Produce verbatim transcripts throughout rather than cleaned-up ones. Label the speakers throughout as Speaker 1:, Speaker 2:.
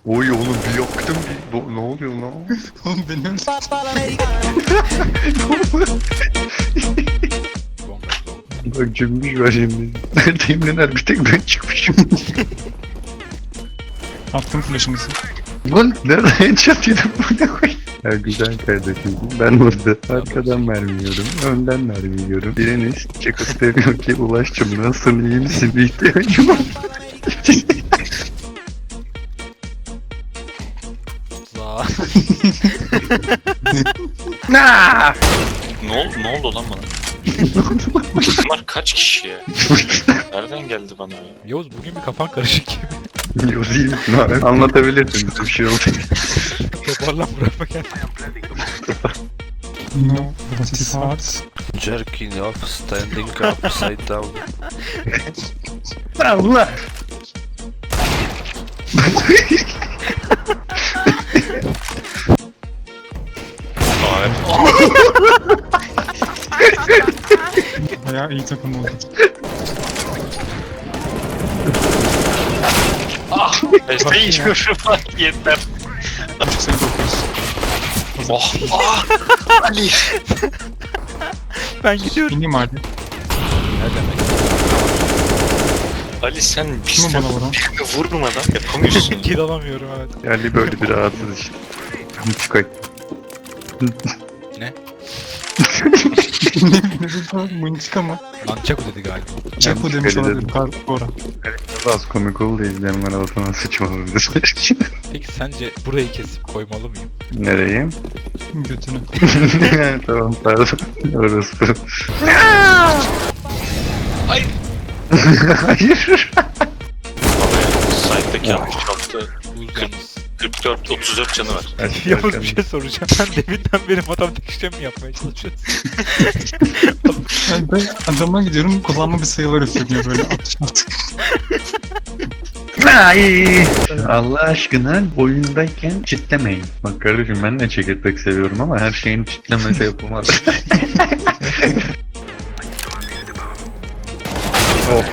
Speaker 1: Oy oğlum bir yaktım bir. Bu- Ne oluyor lan?
Speaker 2: Oğlum benim
Speaker 1: Bak cümbüş var şimdi. Neredeyim neler bir tek ben çıkmışım.
Speaker 2: attım flash'ımızı.
Speaker 1: Lan nerede headshot yedim bu ne koy? Ya güzel kardeşim ben burada arkadan mermi yiyorum, önden mermi yiyorum. Biriniz çıkıp demiyor ki Ulaş'cım nasılsın iyi misin bir ihtiyacım var.
Speaker 3: Za.
Speaker 1: Nah!
Speaker 4: Ne oldu, ne oldu lan bana? Bunlar kaç kişi ya? Nereden geldi bana ya?
Speaker 3: Yavuz bugün bir kafan karışık gibi.
Speaker 1: Yozayım mı? Anlatabilirsin bir şey oldu.
Speaker 3: Toparlan buraya gel.
Speaker 2: No, what is hard?
Speaker 5: Jerking off, standing upside down.
Speaker 1: Allah!
Speaker 4: Hayır.
Speaker 2: Bayağı iyi takım oldu.
Speaker 4: Beste içmiyorum lan yeter.
Speaker 2: Sen dokuyorsun.
Speaker 4: Oh! Ah! Ali!
Speaker 3: Ben gidiyorum.
Speaker 2: İneyim hadi.
Speaker 3: Ne demek?
Speaker 4: Ali sen
Speaker 2: Kim
Speaker 4: bizden
Speaker 2: bana vuran?
Speaker 4: birini vurmadan yapamıyorsun.
Speaker 3: Kill alamıyorum evet.
Speaker 1: Yani böyle bir rahatsız işte. Çıkay.
Speaker 3: Ne?
Speaker 2: Mınçık ama.
Speaker 3: Nunchaku dedi galiba.
Speaker 2: Çaku
Speaker 1: Yanlış
Speaker 2: demiş olabilirim.
Speaker 1: söyledim.
Speaker 2: Karbora.
Speaker 1: Az komik oldu izleyenler altına sıçmalıdır.
Speaker 3: Peki sence burayı kesip koymalı mıyım?
Speaker 1: Nereye?
Speaker 2: Götünü.
Speaker 1: Tamam pardon. Orası.
Speaker 4: Hayır.
Speaker 1: Hayır.
Speaker 4: Site'daki yanlış yaptı.
Speaker 3: Buz yalnız.
Speaker 4: kırk dört otuz dört canı var.
Speaker 3: Yavuz bir şey soracağım. Sen deminden beri matematik işlemi mi yapmaya çalışıyorsun?
Speaker 2: Yani ben adama gidiyorum kullanma bir sayılar üfleniyor böyle atış atış.
Speaker 1: Ay. Allah aşkına oyundayken çitlemeyin. Bak kardeşim ben de çekirdek seviyorum ama her şeyin çitlemesi yapılmaz. Oh.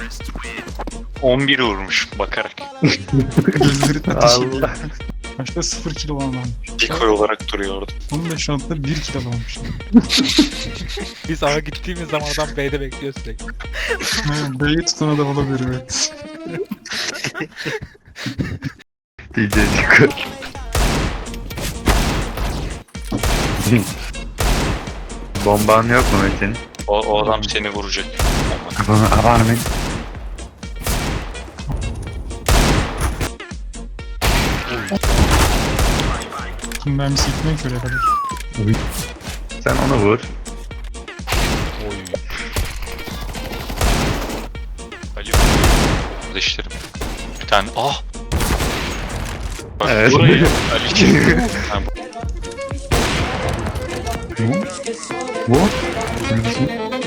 Speaker 4: on bir vurmuş bakarak.
Speaker 2: Gözleri ateş ediyor.
Speaker 1: Allah.
Speaker 2: Başta sıfır kilo olan varmış.
Speaker 4: Decoy olarak duruyor orada.
Speaker 2: Onun da şu anda bir kilo olmuş.
Speaker 3: Biz A'ya gittiğimiz zaman adam B'de bekliyor sürekli.
Speaker 2: Evet, B'yi tutan adam olabilir evet.
Speaker 1: D J çıkar. Bomban yok mu Metin?
Speaker 4: O, o adam seni vuracak.
Speaker 1: Kafana avar mı?
Speaker 2: Kim mermisi gitmiyor ki öyle kadar.
Speaker 1: Sen onu vur.
Speaker 3: Oy.
Speaker 4: Ali kardeşlerim. Bir tane. Ah! Bak
Speaker 1: Evet.
Speaker 4: burayı Ali ha,
Speaker 1: Bu? Bu? Neredesin?